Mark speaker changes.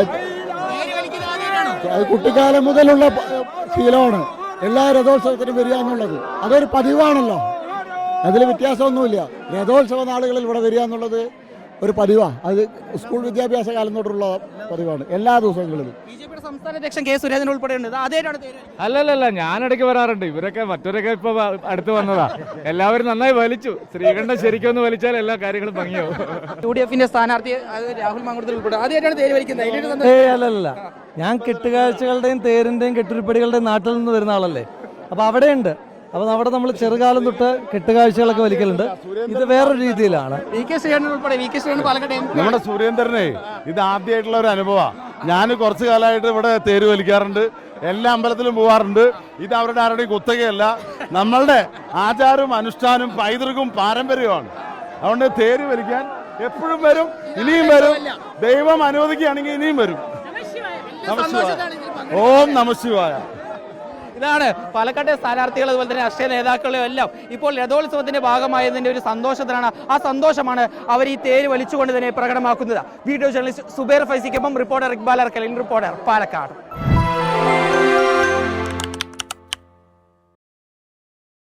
Speaker 1: അത് കുട്ടിക്കാലം മുതലുള്ള ശീലമാണ്. എല്ലാ രഥോത്സവത്തിനും വരിക എന്നുള്ളത് അതൊരു പതിവാണല്ലോ. അതിൽ വ്യത്യാസമൊന്നുമില്ല. രഥോത്സവ നാളുകളിൽ ഇവിടെ വരിക എന്നുള്ളത് ഒരു പതിവാണ്. അത് സ്കൂൾ വിദ്യാഭ്യാസ കാലം തൊട്ടുള്ള പതിവാണ് എല്ലാ ദിവസങ്ങളിലും.
Speaker 2: സംസ്ഥാന അധ്യക്ഷൻ കെ സുരേന്ദ്രൻ ഉൾപ്പെടെയുണ്ട്.
Speaker 3: അല്ലല്ല, ഞാനിടയ്ക്ക് വരാറുണ്ട്. ഇവരൊക്കെ മറ്റവരൊക്കെ ഇപ്പൊ അടുത്ത് വന്നതാ. എല്ലാവരും നന്നായി വലിച്ചു. ശ്രീകണ്ഠൻ ശരിക്കും ഒന്ന് വലിച്ചാൽ എല്ലാ കാര്യങ്ങളും ഭംഗിയാവും.
Speaker 2: UDF സ്ഥാനാർത്ഥി രാഹുൽ മാങ്കുളത്തിൽ ഉൾപ്പെടെ ആദ്യമായിട്ടാണ് തേര് വലിക്കുന്നത്.
Speaker 4: അല്ലല്ല, ഞാൻ കെട്ടുകാഴ്ചകളുടെയും തേരിന്റെയും കെട്ടുരുപ്പടികളുടെയും നാട്ടിൽ നിന്ന് വരുന്ന ആളല്ലേ. അപ്പൊ അവിടെയുണ്ട്. അപ്പൊ അവിടെ നമ്മൾ ചെറുകാലം തൊട്ട് കെട്ടുകാഴ്ചകളൊക്കെ വലിക്കലുണ്ട്. ഇത് വേറൊരു രീതിയിലാണ്.
Speaker 5: നമ്മുടെ സുരേന്ദ്രനെ ഇത് ആദ്യമായിട്ടുള്ള ഒരു അനുഭവമാണ്. ഞാൻ കുറച്ചു കാലമായിട്ട് ഇവിടെ തേര് വലിക്കാറുണ്ട്, എല്ലാ അമ്പലത്തിലും പോവാറുണ്ട്. ഇത് അവരുടെ ആരുടെയും കുത്തകയല്ല, നമ്മളുടെ ആചാരവും അനുഷ്ഠാനവും പൈതൃകവും പാരമ്പര്യവുമാണ്. അതുകൊണ്ട് തേര് വലിക്കാൻ എപ്പോഴും വരും, ഇനിയും വരും. ദൈവം അനുവദിക്കുകയാണെങ്കിൽ ഇനിയും വരും. ഓം നമഃശിവായ.
Speaker 2: ഇതാണ് പാലക്കാട്ടെ സ്ഥാനാർത്ഥികൾ, അതുപോലെ തന്നെ രാഷ്ട്രീയ നേതാക്കളും എല്ലാം ഇപ്പോൾ രഥോത്സവത്തിന്റെ ഭാഗമായതിന്റെ ഒരു സന്തോഷത്തിലാണ്. ആ സന്തോഷമാണ് അവർ ഈ തേര് വലിച്ചുകൊണ്ട് തന്നെ പ്രകടമാക്കുന്നത്. വീഡിയോ ജേർണലിസ്റ്റ് സുബൈർ ഫൈസിക്കൊപ്പം റിപ്പോർട്ടർ ഇക്ബാൽ അർക്കൽ, റിപ്പോർട്ടർ പാലക്കാട്.